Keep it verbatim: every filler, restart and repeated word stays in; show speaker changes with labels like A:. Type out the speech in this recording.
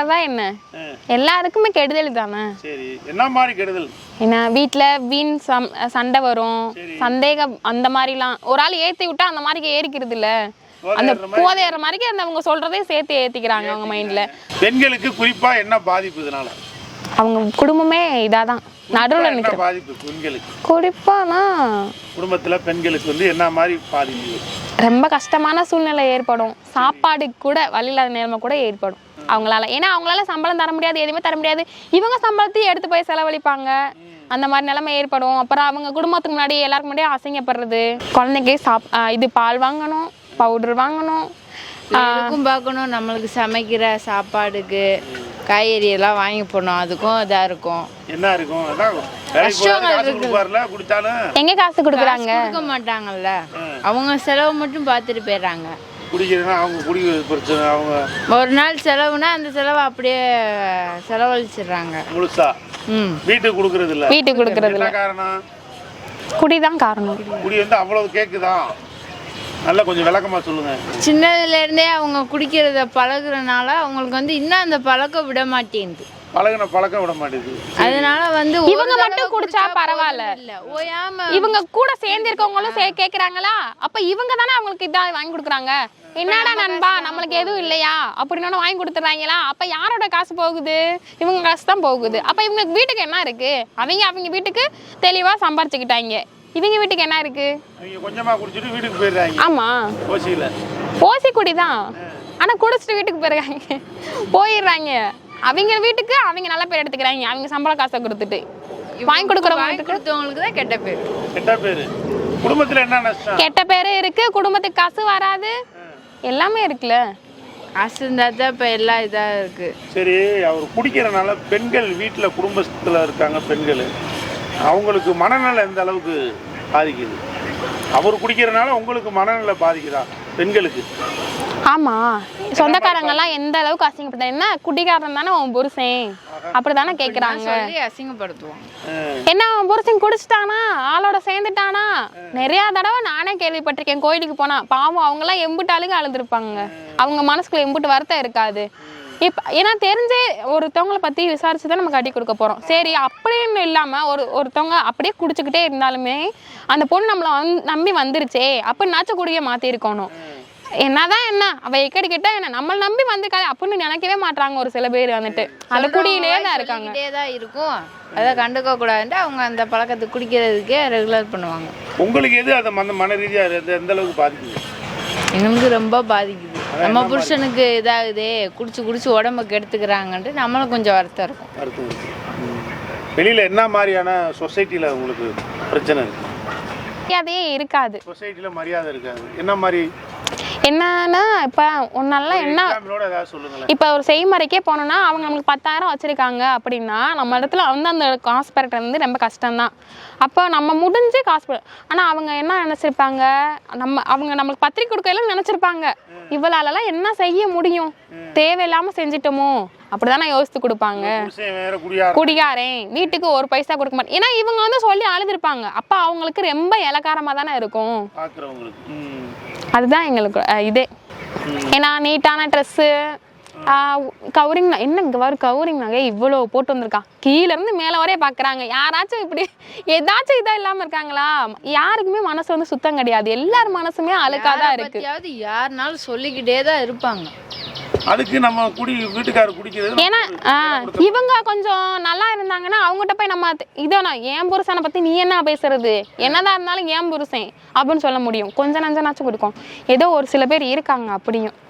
A: நல்லதா என்ன? எல்லாருக்குமே கெடுதல் தானே.
B: சரி, என்ன மாதிரி கெடுதல்?
A: என்ன வீட்டுல வீண் சண்டை வரும், சந்தேகம், அந்த மாதிரிலாம். ஒரு ஆள் ஏத்தி விட்டா அந்த மாதிரி ஏறிக்கிறது இல்ல, அந்த போதையற மாதிரி அந்த அவங்க சொல்றதே சேர்த்து ஏத்திக்கிறாங்க அவங்க மைண்ட்ல.
B: பெண்களுக்கு குறிப்பா என்ன பாதிப்பு இதனால?
A: அவங்க குடும்பமே இதாதான் நடுவுல நிக்கிற
B: பாதிப்பு பெண்களுக்கு.
A: குறிப்பானா
B: குடும்பத்துல பெண்களுக்கு வந்து என்ன மாதிரி பாதிப்பு?
A: ரொம்ப கஷ்டமான சூழ்நிலை ஏற்படும். சாப்பாடு கூட வழி இல்லாத நிலைமை கூட ஏற்படும் அவங்களால. ஏன்னா அவங்களால சம்பளம் தர முடியாது, எதுவுமே தர முடியாது. இவங்க சம்பளத்தையும் எடுத்து போய் செலவழிப்பாங்க, அந்த மாதிரி நிலைமை ஏற்படும். அப்புறம் அவங்க குடும்பத்துக்கு முன்னாடி எல்லாருக்கும் முன்னாடி அசிங்கப்படுறது. குழந்தைக்கு சாப் இது பால் வாங்கணும், பவுடர் வாங்கணும்,
C: அதுக்கும் பார்க்கணும். நம்மளுக்கு சமைக்கிற சாப்பாடுக்கு காய்கறி எல்லாம் வாங்கி போடணும், அதுக்கும் இதாக இருக்கும்.
B: என்ன இருக்கும்?
A: எங்க காசு கொடுக்குறாங்க?
C: கொடுக்க மாட்டாங்கல்ல, அவங்க செலவு மட்டும் பார்த்துட்டு போயிடுறாங்க. ஒரு நாள் செலவுனா அந்த செலவு அப்படியே செலவழிச்சிடுறாங்க முழுசா.
B: வீட்டுக்கு கொடுக்கறது இல்ல.
A: வீட்டுக்கு கொடுக்கறது இல்ல. காரணம் குடிதான் காரணம்.
B: குடி வந்து அவ்வளவு கேக்குதா? நல்லா கொஞ்சம் விளக்கமா சொல்லுங்க.
C: சின்னதுல இருந்தே அவங்க குடிக்கிறத பழகுறதுனால அவங்களுக்கு வந்து இன்னும் அந்த பழக்கம் விட மாட்டேங்குது.
B: பழகின பழக்கம் விட மாட்டேங்குது.
C: அதனால வந்து
A: இவங்க மட்டும் குடிச்சா பரவாயில்ல, இவங்க கூட சேர்ந்து இருக்கவங்களும் கேக்குறாங்களா? அப்ப இவங்க தானே அவங்களுக்கு இதா வாங்கி கொடுக்குறாங்க. என்னடா நண்பா நம்மளுக்கு எதுவும் இல்லையா அப்படின்னு வாங்கி கொடுத்துறாங்களா? அப்ப யாரோட காசு போகுது? இவங்க காசு தான் போகுது. அப்ப இவங்க வீட்டுக்கு என்ன இருக்கு? அவங்க அவங்க வீட்டுக்கு தெளிவா சம்பாரிச்சுக்கிட்டாங்க. இவங்க வீட்டுக்கு என்ன இருக்கு?
B: கொஞ்சமா குடிச்சிட்டு வீட்டுக்கு போயிடுறாங்க.
A: ஆமா,
B: ஓசில
A: ஓசி குடிதான். ஆனா குடிச்சிட்டு வீட்டுக்கு போயிடுறாங்க, போயிடுறாங்க. அவங்க வீட்டுக்கு அவங்க நல்ல பேர் எடுத்துக்கிறாங்க. அவங்க சம்பள காசை கொடுத்துட்டு வாங்கி கொடுக்குறவங்களுக்கு தான் கெட்ட பேர்.
B: கெட்ட பேரு. குடும்பத்துல என்ன நஷ்டம்?
A: கெட்ட பேரு இருக்கு, குடும்பத்துக்கு காசு வராது, எல்லாமே இருக்குல்ல.
C: காசு இருந்தா தான் இப்ப எல்லாம் இதா இருக்கு.
B: சரி, அவர் குடிக்கிறனால பெண்கள் வீட்டுல குடும்பத்துல இருக்காங்க பெண்கள், அவங்களுக்கு மனநல எந்த அளவுக்கு பாதிக்குது? அவர் குடிக்கிறனால உங்களுக்கு மனநல பாதிக்குதா பெண்களுக்கு?
A: ஆமா, சொந்தக்காரங்க எல்லாம் எந்த அளவுக்கு அசிங்கப்பட்ட, என்ன குடிக்காரன் தானே உன் புருஷன் அப்படித்தானே கேக்குறாங்க,
C: அசிங்கப்படுத்துவாங்க.
A: என்ன அவன் புருஷன் குடிச்சிட்டானா, ஆளோட சேர்ந்துட்டானா? நிறைய தடவை நானே கேள்விப்பட்டிருக்கேன். கோயிலுக்கு போனா பாவம் அவங்க எல்லாம் எம்புட்டாளுக்கு அழுதுருப்பாங்க. அவங்க மனசுக்குள்ள எம்புட்டு வருத்தம் இருக்காது. இப்ப ஏன்னா தெரிஞ்சே ஒருத்தவங்களை பத்தி விசாரிச்சுதான் நம்ம கட்டி கொடுக்க போறோம். சரி, அப்படின்னு இல்லாம ஒரு ஒருத்தவங்க அப்படியே குடிச்சுக்கிட்டே இருந்தாலுமே அந்த பொண்ணு நம்மள நம்பி வந்துருச்சே அப்படின்னாச்சும் குடிய மாத்தி இருக்கணும். என்னதான் என்ன அவ எக்கடி கிட்ட என்ன நம்மள நம்பி வந்திருக்காது அப்படின்னு நினைக்கவே மாட்டாங்க ஒரு சில பேர். வந்துட்டு அந்த குடியிலேயே தான் இருக்காங்க.
C: இருக்கும், அதை கண்டுக்க கூடாதுன்ட்டு அவங்க அந்த பழக்கத்தை குடிக்கிறதுக்கே ரெகுலர் பண்ணுவாங்க.
B: உங்களுக்கு எது அதை மன ரீதியா எந்த அளவுக்கு பாதிக்குது?
C: எங்களுக்கு ரொம்ப பாதிக்குது. நம்ம புருஷனுக்கு இதாகுதே, குடிச்சு குடிச்சு உடம்ப கெடுத்துக்கிறாங்கன்ட்டு நம்மளும் கொஞ்சம் வருத்தம் இருக்கும்.
B: வெளியில என்ன மாதிரியான சொசைட்டில உங்களுக்கு பிரச்சனை இருக்கு?
A: மரியாதையே இருக்காது.
B: சொசைட்டில மரியாதை இருக்காது. என்ன மாதிரி?
A: என்னன்னா இப்ப ஒன்னால என்ன இப்ப ஒரு செய்முறைக்கே போனோம்னா அவங்க நம்மளுக்கு பத்தாயிரம் வச்சிருக்காங்க அப்படின்னா நம்ம இடத்துல வந்து அந்த காசு பெறறது வந்து ரொம்ப கஷ்டம்தான். அப்போ நம்ம முடிஞ்சு காசு, ஆனா அவங்க என்ன நினைச்சிருப்பாங்க, நம்ம அவங்க நம்மளுக்கு பத்திரிக்கை கொடுக்கலாம் நினைச்சிருப்பாங்க, இவளாலலாம் என்ன செய்ய முடியும், தேவையில்லாம செஞ்சிட்டோமோ அப்படிதானே யோசித்து கொடுப்பாங்க. குடியாரேன் வீட்டுக்கு ஒரு பைசா கொடுக்க மாட்டேன், ஏன்னா இவங்க வந்து சொல்லி அழுதுருப்பாங்க. அப்ப அவங்களுக்கு ரொம்ப இலக்காரமா தானே இருக்கும். அதுதான் எங்களுக்கு இதே. ஏன்னா நீட்டான ட்ரெஸ்ஸு, கவரிங் என்ன இங்கே வரும் கவரிங் நகை இவ்வளோ போட்டு வந்திருக்கா, கீழே இருந்து மேலே வரைய பார்க்குறாங்க. யாராச்சும் இப்படி ஏதாச்சும் இதாக இல்லாமல் இருக்காங்களா? யாருக்குமே மனசு வந்து சுத்தம் கிடையாது. எல்லார் மனசுமே அழுக்காதான் இருக்கு.
C: யாருனாலும் சொல்லிக்கிட்டே தான் இருப்பாங்க.
B: அதுக்கு நம்ம குடி வீட்டுக்காரர் குடிக்கிறது.
A: ஏன்னா இவங்க கொஞ்சம் நல்லா இருந்தாங்கன்னா அவங்ககிட்ட போய் நம்ம இதோ என் புருஷனை பத்தி நீ என்ன பேசுறது, என்னதான் இருந்தாலும் என் புருஷன் அப்படின்னு சொல்ல முடியும். கொஞ்சம் நஞ்சனாச்சும் கொடுக்கும். ஏதோ ஒரு சில பேர் இருக்காங்க அப்படியும்.